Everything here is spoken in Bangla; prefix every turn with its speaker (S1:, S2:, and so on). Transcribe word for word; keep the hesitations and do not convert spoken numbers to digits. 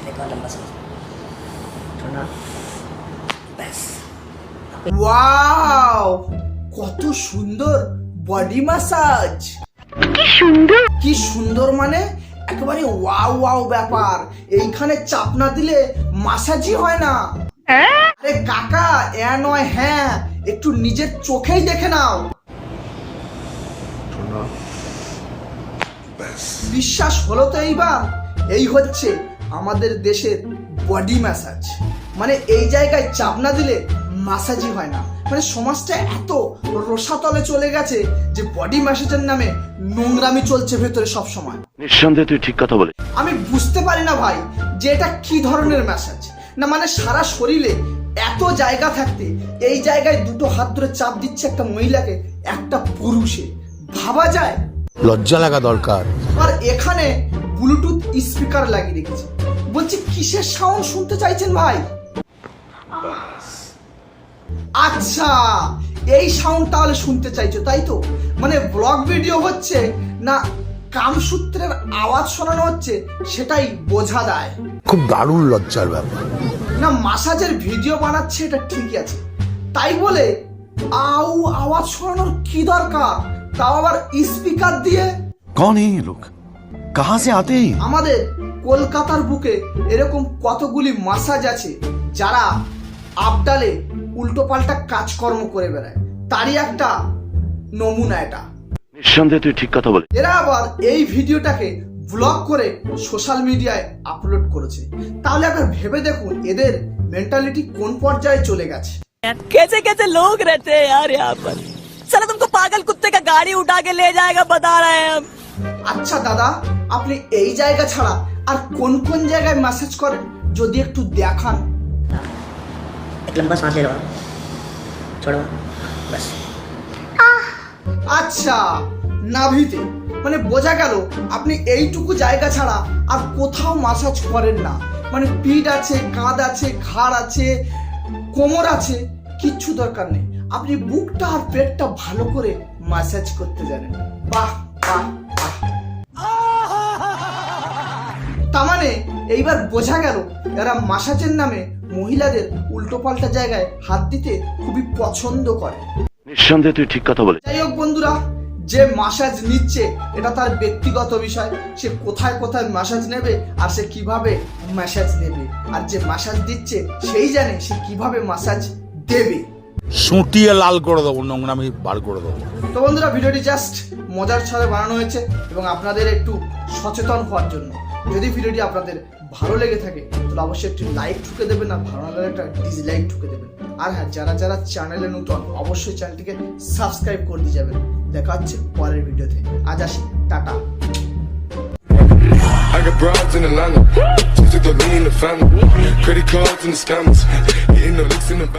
S1: एक और लंबा सांस छोड़ना बस।
S2: ওয়াও, কত সুন্দর বডি ম্যাসাজ। কি সুন্দর, কি সুন্দর মানে একেবারে ওয়াও ওয়াও ব্যাপার। এইখানে চাপ না দিলে ম্যাসাজই হয় না। আরে কাকা, এ নয় হ্যাঁ, একটু নিজের চোখেই দেখে নাও। বিশ্বাস হলো তো এইবার? এই হচ্ছে আমাদের দেশের বডি ম্যাসাজ। মানে এই জায়গায় চাপ না দিলে ম্যাসাজই হয় না। মানে সমাজটা এত রসাতলে চলে গেছে যে বডি ম্যাসাজের নামে নোংরামি চলছে ভেতরে সব সময়।
S3: নিঃসন্দেহে তুই ঠিক কথা বলে।
S2: আমি বুঝতে পারি না ভাই যে এটা কি ধরনের ম্যাসাজ। না মানে সারা শরীরে এত জায়গা থাকতে এই জায়গায় দুটো হাত ধরে চাপ দিচ্ছে একটা মহিলাকে একটা পুরুষে, ভাবা যায়?
S4: লজ্জা লাগা দরকার।
S2: আর এখানে ব্লুটুথ স্পিকার লাগিয়ে রেখেছে। বলছি কিসের সাউন্ড শুনতে চাইছেন ভাই? আচ্ছা, এই সাউন্ড তাহলে শুনতে চাইছো, তাই তো? মানে ব্লগ ভিডিও হচ্ছে না কামসূত্রের আওয়াজ শোনানো হচ্ছে সেটাই বোঝা যায়।
S4: খুব দারুণ লজ্জার ব্যাপার।
S2: না মাসাজের ভিডিও বানাচ্ছে এটা ঠিকই আছে, তাই বলে আউ আওয়াজ শোনানোর কি দরকার, তাও আবার স্পিকার দিয়ে?
S5: कौन है ये लोग, कहां से आते हैं?
S2: আমাদের কলকাতার বুকে এরকম কতগুলি মাসাজ আছে যারা আবডালে উল্টো পাল্টা কাজকর্ম করে বেড়ায়, তারই একটা নমুনা এটা।
S3: নিঃসন্দেহে তুই ঠিক কথা বলে।
S2: এরা আবার এই ভিডিওটাকে ব্লগ করে সোশ্যাল মিডিয়ায় আপলোড করেছে। তাহলে একবার ভেবে দেখুন এদের মেন্টালিটি কোন পর্যায়ে চলে গেছে।
S6: कैसे कैसे लोग रहते हैं यार यहाँ पर। साला तुमको पागल कुत्ते का गाड़ी उठा के ले जाएगा बता रहे हैं हम।
S2: আচ্ছা দাদা, আপনি এই জায়গা ছাড়া আর কোন কোন জায়গায় ম্যাসেজ করেন যদি একটু দেখান।
S1: एक लंबा सांस ले लो, छोड़ो बस।
S2: আচ্ছা, নাভিতে, মানে বোঝা গেল আপনি এইটুকু জায়গা ছাড়া আর কোথাও ম্যাসাজ করেন না। মানে পিঠ আছে, কাঁধ আছে, ঘাড় আছে, কোমর আছে, কিচ্ছু দরকার নেই। আপনি বুকটা আর পেটটা ভালো করে ম্যাসাজ করতে জানেন। বাহ বাহ বাহ। তার মানে এইবার বোঝা গেল এরা ম্যাসাজের নামে মহিলাদের উল্টো পাল্টা জায়গায় হাত দিতে খুবই পছন্দ করে।
S3: নিঃসন্দেহে তুই ঠিক কথা বলে।
S2: যাই হোক বন্ধুরা, যে ম্যাসাজ নিচ্ছে এটা তার ব্যক্তিগত বিষয়। সে কোথায় কোথায় ম্যাসাজ নেবে আর সে কিভাবে ম্যাসাজ নেবে, আর যে ম্যাসাজ দিচ্ছে সেই জানে সে কিভাবে ম্যাসাজ দেবে।
S4: সুটিয়ে লাল করে দেবো, নোংরামি বার করে দেবো।
S2: তো বন্ধুরা, ভিডিওটি জাস্ট মজার ছলে বানানো হয়েছে এবং আপনাদের একটু সচেতন হওয়ার জন্য। যদি ভিডিওটি আপনাদের ভালো লেগে থাকে তাহলে অবশ্যই একটি লাইক ঠুকে দেবেন, আর ভালো লাগলে একটা ডিসলাইক ঠুকে দেবেন। আর হ্যাঁ, যারা যারা চ্যানেলে নতুন অবশ্যই চ্যানেলটিকে সাবস্ক্রাইব করে দিয়ে যাবেন। দেখা হচ্ছে পরের ভিডিওতে। আজ আসি, tata.
S7: I got broads in Atlanta, just to throw me in the family. Credit cards and the scammers, getting no licks in the